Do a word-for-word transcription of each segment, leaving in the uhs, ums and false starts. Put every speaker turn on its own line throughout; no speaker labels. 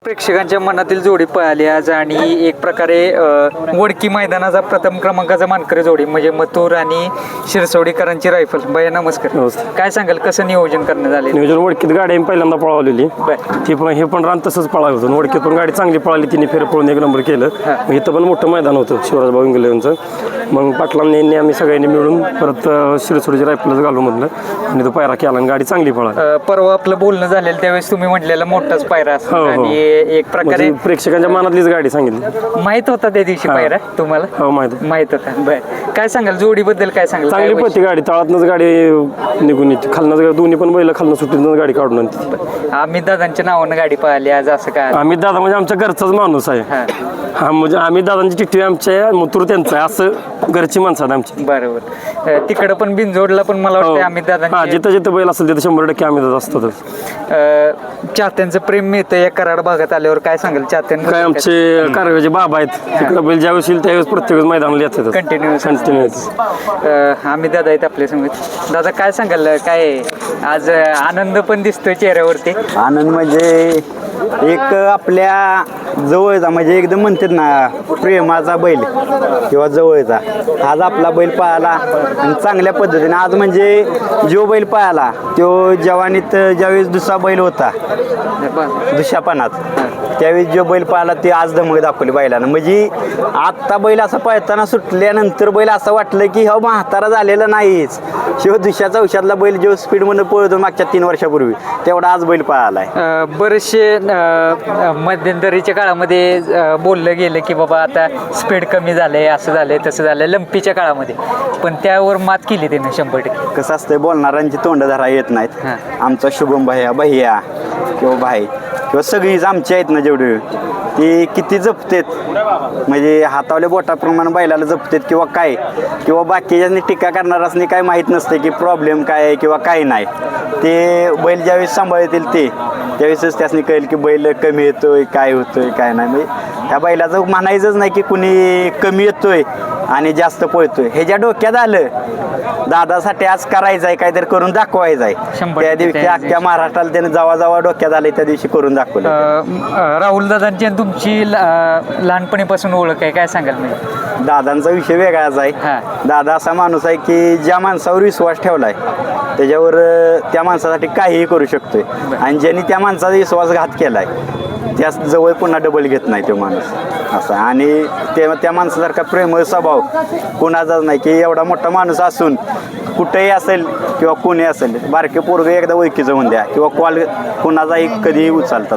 प्रेक्षकांच्या मनातील जोडी पळाली आज आणि एक प्रकारे वडकी मैदानाचा प्रथम क्रमांकाचा मानकरी जोडी म्हणजे मथुर आणि शिरसवडीकरांची रायफल. भैया नमस्कार.
नमस्कार.
काय सांगाल कसं नियोजन करण्यात आले?
नियोजन वडकीत गाडी आम्ही पहिल्यांदा पळवलेली ती पण हे पण रान तसंच पळालं होतं. वडकीत पण गाडी चांगली पळाली, तिने फेर पळून एक नंबर केलं. मग इथं पण मोठं मैदान होतं शिवराजभाऊ इंगलेंचं. मग पाटलांनी आम्ही सगळ्यांनी मिळून परत शिरसवडीची रायफलच घालू म्हटलं आणि तो पायरा केला आणि गाडी चांगली पळाली.
परवा आपलं बोलणं झालेलं त्यावेळेस तुम्ही म्हटलेला मोठाच पायरा असतो आणि एक प्रकारे
प्रेक्षकांच्या मनातलीच गाडी सांगितली.
माहित होता त्या दिवशी पायरा तुम्हाला?
हो माहित
माहित होता. बर काय सांगाल जोडीबद्दल? काय सांगाल?
चांगली पळती गाडी, तळातनच गाडी निघून येते, खालनं दोन्ही पण बैल खालनं सुट्टीतून गाडी काढून आणते.
अमित दादांच्या नावानं गाडी पळाली आज असं काय?
अमित दादा म्हणजे आमच्या घरचाच माणूस आहे. हा म्हणजे अमित दादांची चिठ्ठी आमच्या मथुर त्यांचं आहे, असं घरची माणसं आहेत आमची.
बरोबर. तिकडं पण बिनजोडला पण मला वाटतं अमित दादा
जिथं जिथं बैल असेल तिथं शंभर टक्के अमित दादा असतातच.
चाहत्यांचं प्रेम मिळतं या कराड भागात आल्यावर. काय सांगाल चाहत्यांना?
काय आमचे कारवेचे बाबा आहेत तिकडे बैल ज्यावेळेस येईल त्यावेळेस प्रत्येक मैदानाला येतात
कंटिन्युअस
कंटिन्यू.
आम्ही दादा आहेत आपल्या समोर. दादा काय सांगाल? काय आज आनंद पण दिसतोय चेहऱ्यावरती?
आनंद म्हणजे एक आपल्या जवळचा म्हणजे एकदम म्हणतात ना प्रेमाचा बैल किंवा जवळचा. आज आपला बैल पळाला आणि चांगल्या पद्धतीने. आज म्हणजे जो बैल पळाला तो जवानीत ज्यावेळेस दुसरा बैल होता दुसऱ्यापणात त्यावेळेस जो बैल पळाला ते आज धमक दाखवली बैलानं. म्हणजे आत्ता बैल असं पळताना सुटल्यानंतर बैल असं वाटलं की हा म्हातारा झालेला नाहीच. शिव दुसऱ्याचा औषधातला बैल जो स्पीडमध्ये पळतो मागच्या तीन वर्षापूर्वी तेवढा आज बैल पळालाय.
बरेचसे मध्यंतरीच्या काळामध्ये बोललं गेलं की बाबा आता स्पीड कमी झालंय, असं झालंय तसं झालंय लंपीच्या काळामध्ये, पण त्यावर मात केली त्यानं शंभर टक्के.
कसं असतंय बोलणाऱ्यांची तोंड धरा येत नाहीत. आमचा शुभम भैया भैया किंवा भाई किंवा सगळीच आमची आहेत ना जेवढे ती किती जपतेत म्हणजे हातावल्या बोटाप्रमाणे बैलाला जपतेत किंवा काय किंवा बाकीच्यांनी टीका करणाऱ्यांनी काय माहीत नसते की प्रॉब्लेम काय आहे किंवा काय नाही. ते बैल ज्यावेळेस सांभाळतील ते त्यावेळेसच त्यासनी कळेल की बैल कमी येतोय काय होतोय काय नाही. म्हणजे त्या बैलाचं म्हणायचंच नाही की कुणी कमी येतोय आणि जास्त पळतोय. ह्याच्या डोक्यात आलं दादासाठी आज करायचं आहे काहीतरी करून दाखवायचं आहे. त्या दिवशी अख्ख्या महाराष्ट्राला त्याने जवा जवा डोक्यात आले त्या दिवशी करून दाखवलं.
राहुल दादांची तुमची लहानपणीपासून ओळख आहे, काय सांगाल? मी
दादांचा विषय वेगळाच आहे. दादा असा माणूस आहे की ज्या माणसावर विश्वास ठेवलाय त्याच्यावर त्या माणसासाठी काहीही करू शकतोय आणि ज्यांनी त्या माणसाचा विश्वासघात केलाय त्या जवळ पुन्हा डबल घेत नाही तो माणूस असा. आणि ते त्या माणसासारखा प्रेमळ स्वभाव कोणाचाच नाही की एवढा मोठा माणूस असून कुठेही असेल किंवा कोणी असेल बारके पोरगं एकदा ओळखीचं होऊन द्या किंवा कॉल कोणाचाही कधीही उचलतात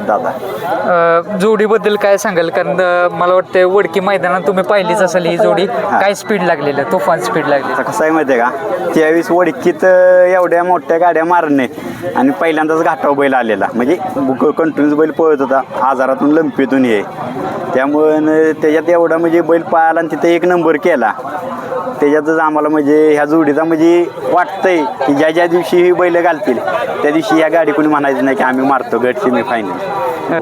दादा.
जोडीबद्दल काय सांगाल? कारण मला वाटतं वडकी मैदानात तुम्ही पाहिलीच असेल ही जोडी, काय स्पीड लागलेलं, तुफान स्पीड लागली.
कसं आहे माहिती आहे का, त्यावेळेस वडकीत एवढ्या मोठ्या गाड्या मारणे आणि पहिल्यांदाच घाटाव बैल आलेला म्हणजे कंटिन्यूस बैल पळत होता आजारातून लंपीतून हे, त्यामुळं त्याच्यात एवढा म्हणजे बैल पळाला आणि तिथे एक नंबर केला. त्याच्यातच आम्हाला म्हणजे ह्या जोडीचा म्हणजे वाटतंय की ज्या ज्या दिवशी ही बैल घालतील त्या दिवशी या गाडी कोणी म्हणायचं नाही की आम्ही मारतो गट सेमी फायनल.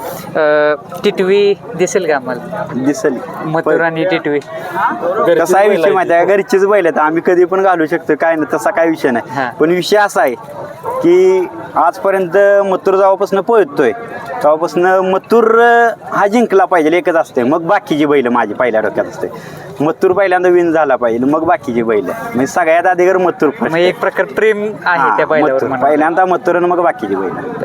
टिटवी दिसेल का आम्हाला?
दिसेल.
मथुर आणि टिटवी
कसा आहे विषय माहिती आहे, घरचीच बैल आहेत आम्ही कधी पण घालू शकतो काय नाही तसा काय विषय नाही. पण विषय असा आहे की आजपर्यंत मथुर जेव्हापासून पळतोय तेव्हापासून मथुर हा जिंकला पाहिजे एकच असते, मग बाकीची बैल माझी पहिल्या डोक्यात असते. मथुर पहिल्यांदा विन झाला पाहिजे मग बाकीची बैल म्हणजे सगळ्यात अधिकार मथुर.
एक प्रकार प्रेम आहे त्या बैलावर.
पहिल्यांदा मथुर मग बाकीची बैल.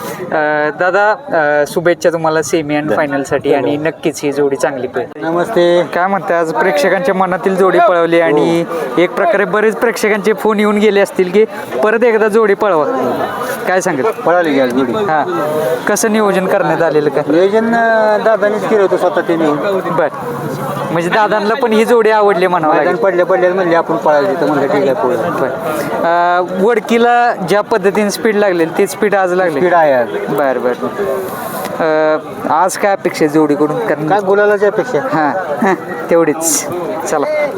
दादा शुभेच्छा तुम्हाला सेमी अँड फायनल साठी आणि नक्कीच ही जोडी चांगली पळेल.
नमस्ते.
काय म्हणते आज प्रेक्षकांच्या मनातील जोडी पळवली आणि एक प्रकारे बरेच प्रेक्षकांचे फोन येऊन गेले असतील की परत एकदा जोडी पळवा, काय सांगेल?
पळाली गेली जोडी.
हा कसं नियोजन करण्यात आलेलं? का
नियोजन दादानीच केलं होतं स्वतः ते नियोजन.
बर म्हणजे दादांना पण ही जोडी आवडली म्हणावं लागेल.
पडले पडले म्हणजे आपण पळायचं म्हणलं ठीक आहे.
वडकीला ज्या पद्धतीने स्पीड लागली ती स्पीड आज लागली.
स्पीड आहे.
बर बर. आज काय अपेक्षा जोडीकडून? कारण
काय बोलायलाच अपेक्षा.
हां तेवढीच. चला.